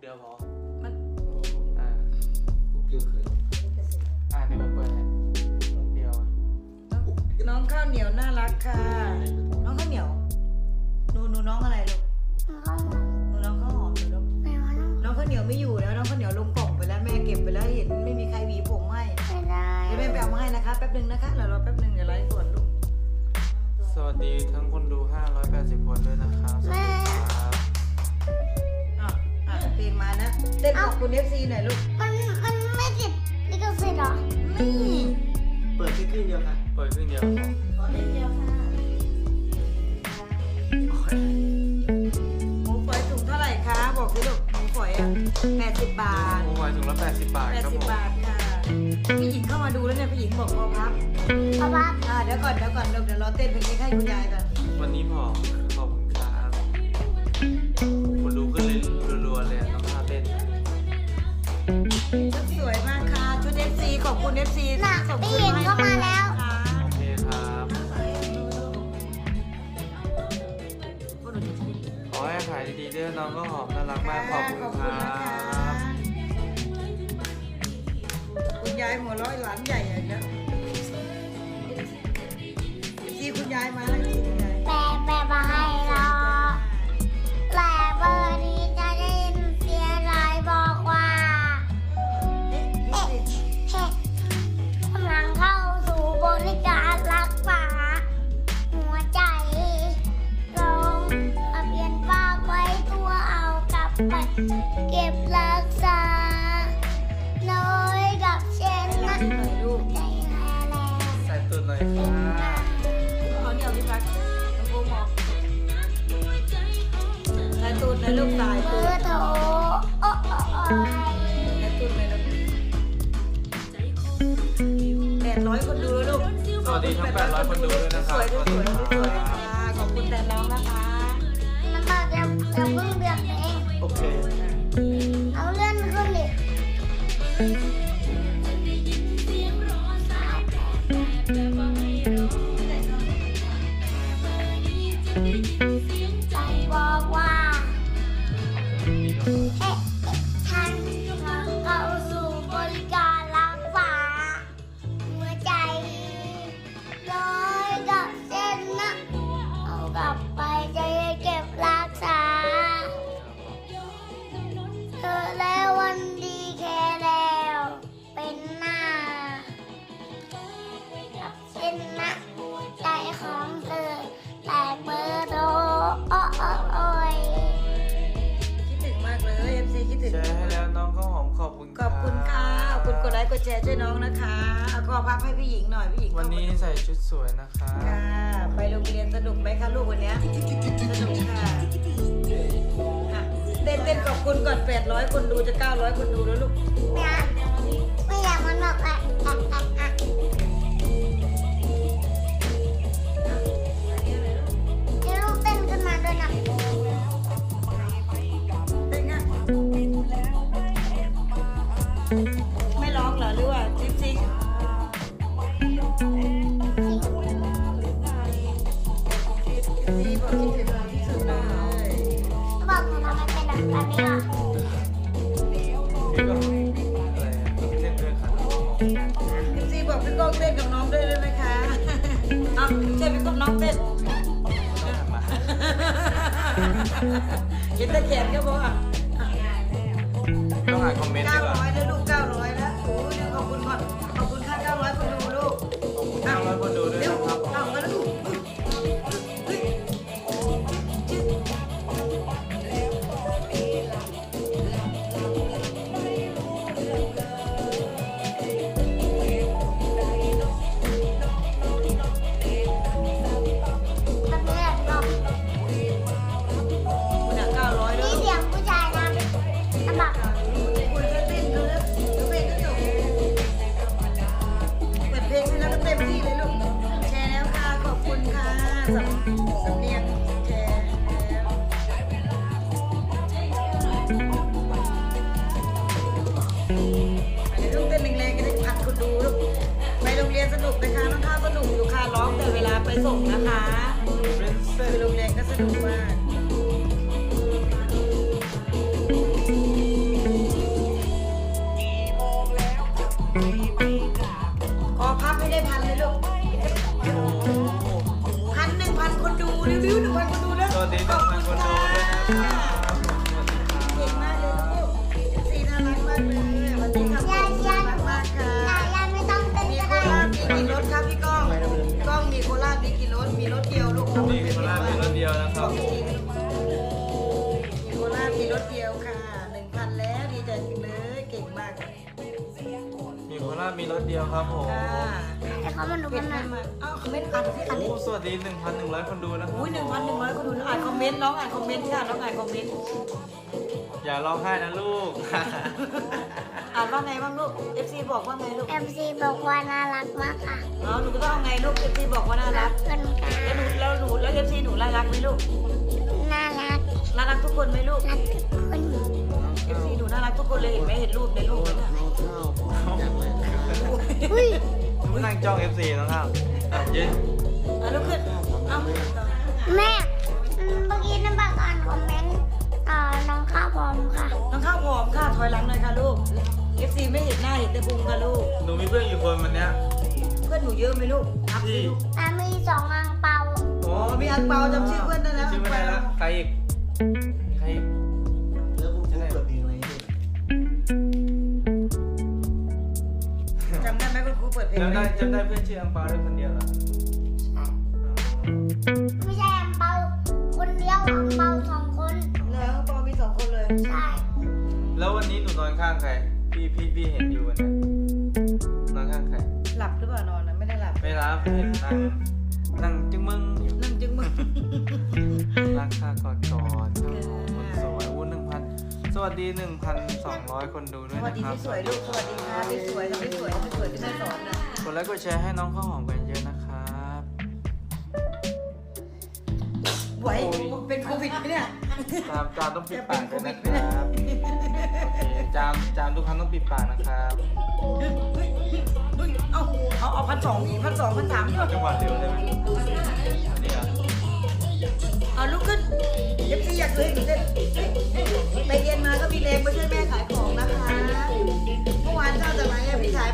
เดียวพอมันคุกเดียวคือเดี๋ยวผมเปิดให้มุกเดียวน้องข้าวเหนียวน่ารักค่ะ น้องข้าวเหนียวหนูน้องอะไรลูกหนูน้องข้าวหอมหนูน้องข้าวเหนียวไม่อยู่แล้วน้องข้าวเหนียวลงกล่องไปแล้วแม่เก็บไปแล้วเห็นไม่มีใครหวีผมให้เดี๋ยวแม่ไปเอามาให้นะคะแป๊บนึงนะคะเดี๋ยวรอแป๊บนึงเดี๋ยวไลฟ์สดลูกสวัสดีทั้งคนดู580คนด้วยนะครับสวัสดีครับเพลงมานะเต้นขอบคุณ FC หน่อยลูกมันไม่ติดลิขสิทธิ์หรอนี่เปิดแค่ครึ่งเดียวค่ะเปิดครึ่งเดียวพอขอเล่นเดียวค่ะหมูฝอยถุงเท่าไหร่คะบอกสิลูกหมูฝอยอ่ะ80 บาทหมูฝอยถุงละ80 บาทครับผม 80 บาทค่ะพี่หญิงเข้ามาดูแล้วเนี่ยพี่หญิงบอกพอพับเพราะว่าเดี๋ยวก่อนเดี๋ยวรอเต้นเพลงนี้ให้คุณยายก่อนวันนี้พอขอบคุณครับคนดูขึ้นเลยรัวๆเลยน้องท่าเต้นชุดสวยมากค่ะชุด FC ขอบคุณ FC น่ะส่งพี่ขึ้นหญิงมาให้ก็มาแล้วค่ะโอเคครับ ขอให้ขายดีๆด้วยน้องก็หอมน่ารักมากขอบคุณครับคุณยายหัวเร้อยหลานใหญ่อย่างเงี้ยที่คุณยายมาแล้วที่คุณยายแปลมาให้เราแต่เบอร์นี้จะได้ยินเสียงรายบอกว่าเอ๊ะกำลังเข้าสู่บริการรักษาหัวใจลงทะเบียนฝากไว้ตัวเอากลับไปเก็บรักษาน้อยกับเช่นนะหน่อยลูกใจแล้แล้วใส่ตุนหน่อยค่ะเขาเหนียวพี่พัดน้องโบมองสายตูดนะลูกสายเบตูอดร์โทรโอ้โอ้โอ้ยสายตูดเลยลูก800 คนดูแล้วลูกสวัสดีทั้ง800คนดูด้วยนะคสรับวยด้วยสวยด้วยสวยค่ะขอบคุณแต่น้องนะคะมันบอกยังเพิ่งเดือนเองโอเคเอาเลื่อนขึ้นดิใจบอกว่าเฮ้ฉันกำลังเข้าสู่บริการรักษาหัวใจร้อยกับเส้นนะเอากลับไปจะเก็บรักษาเธอแล้ววันดีแค่แล้วเป็นหน้ากับเส้นนะใจของเธอแต่เบอร์โทรโอ้โอ้โอ้ยคิดถึงมากเลย FC คิดถึงแชร์ให้แล้วน้องข้าวหอมขอบคุณขอบคุณค่ะขอบคุณกดไลค์กดแชร์ช่วยน้องนะคะเอาขอพับให้พี่หญิงหน่อยพี่หญิงวันนี้ใส่ชุดสวยนะคะค่ะไปโรงเรียนสนุกไหมคะลูกวันเนี้ยสนุกค่ะเต้นขอบคุณก่อน800 คนดูจะ900 คนดูแล้วลูกไม่อยากมันบอกอ่ะให้ลูกเต้นขึ้นมาด้วยนะเป็นไงไม่ร้องเหรอหรือว่าจริงบอกคิดถึงเราที่สุดเลยบอกหนูทำไมเป็นแบบนี้ล่ะพี่ก็อะไรเล่นด้วยค่ะซีบอกพี่ก้องเต้นกับน้องด้วยได้ไหมคะเอาใช่พี่ก้องน้องเต้นมาเห็นตะแขนก็บอกอ่ะต้องอ่านคอมเมนต์ดีกว่า 900แล้วลูก900แล้วโอ้ยขอบคุณก่อนขอบคุณค่ะ900 คนดูลูก 900คนดูด้วยเร็วนะครับเอามาแล้วลูกเฮ้ยแบบนี้แหละน้องคุณอ่ะ900แล้วนี่ลูกเสียงผู้ชายนะลำบากคุณก็เต้นดูแล้วเพลงก็จบเปิดเพลงให้แล้วก็เต็มที่เลยลูกแชร์แล้วค่ะขอบคุณค่ะสำเนียงแชร์แล้วเดี๋ยวลูกเต้นแรงๆก็ได้พัดคนดูลูกไปโรงเรียนสนุกนะคะน้องข้าวสนุกอยู่ค่ะร้องแต่เวลาไปส่งนะคะคือโรงเรียนก็สนุกมากานมีรถเดียวครับผมค่ะให้เขามาดูเป็กัน นไหมนะมาอ้าวคอมเมนต์อ่านสิอ่านดิโอ้สวัสดี 1,100 คนดูนะครับอุ้ย1,100คนดูอ่านคอมเมนต์น้องอ่านคอมเมนต์ค่ะน้องอ่านคอมเมนต์อย่าร้องไห้นะลูกอ่านว่าไงบ้างลูก FC บอกว่าไงลูก FC บอกว่าน่ารักมากค่ะอ๋อหนูก็ต้องเอาไงลูก FC บอกว่าน่ารัรักกกันค่ะแล้ว FC หนูน่ารักไหมลูกน่ารักน่ารักทุกคนไหมลูกรักทุกคน FC หนูน่ารักทุกคนเลยเห็นไหมเห็นรูปในรูปไหมเนี่ยน้องข้าวจากไหนนะครับอุ้ยนั่งจ้อง FC น้องข้าวอ่ะยืนอ่ะลุกขึ้นเอ้าแม่เมื่อกี้น้ำปากอ่านคอมเมนต์น้องข้าวพร้อมค่ะน้องข้าวผอมค่ะถอยหลังหน่อยค่ะลูก FC ไม่เห็นหน้าเห็นแต่พุงค่ะลูกหนูมีเพื่อนอยู่คนวันเนี้ยเพื่อนหนูเยอะไหมลูกนับสิลูกแต่มี2อังเปาโอ้อ๋อมีอังเปาจำชื่อเพื่อนได้แล้วชื่อไม่ได้แล้วใครอีกใครอีกแล้วคุณครูเปิดเพลงอะไรให้ดูจำได้ไหมคุณครูเปิดเพลงจำได้เพื่อนชื่ออังเปาได้คนเดียวเหรอไม่ใช่อังเปาคนเดียวอังเปา2 คนแล้วอังเปามี2 คนเลยใช่แล้ววันนี้หนูนอนข้างใครพี่เห็นอยู่วันเนี้ยนอนข้างใครหลับหรือเปล่านอนนะไม่ได้หลับไม่รับเห็นนั่งจึงมึงอยู่นั่งจึงมึงรักค่ากอดกอดคนสวยอู้1,000 สวัสดี 1,200 คนดูด้สวยวัสนะดีครับพี่สวยลูกสวัสดีค่ะพี่สวยพี่สวยพี่สวยที่แม่สอนนะกดไลค์กดแชร์ให้น้องข้าวหอมกันเยอะนะครับไหวเป็นโควิดไหมเนี่ยจามต้องปิดปากด้วยนะครับโอเคจามทุกครั้งต้องปิดปากนะครับเอา1,200อีก1,200 1,300 เอาจังหวะเร็วได้ไหมอันนี้เหรอเอาลุกขึ้น FC อยากเคยหนูเต้น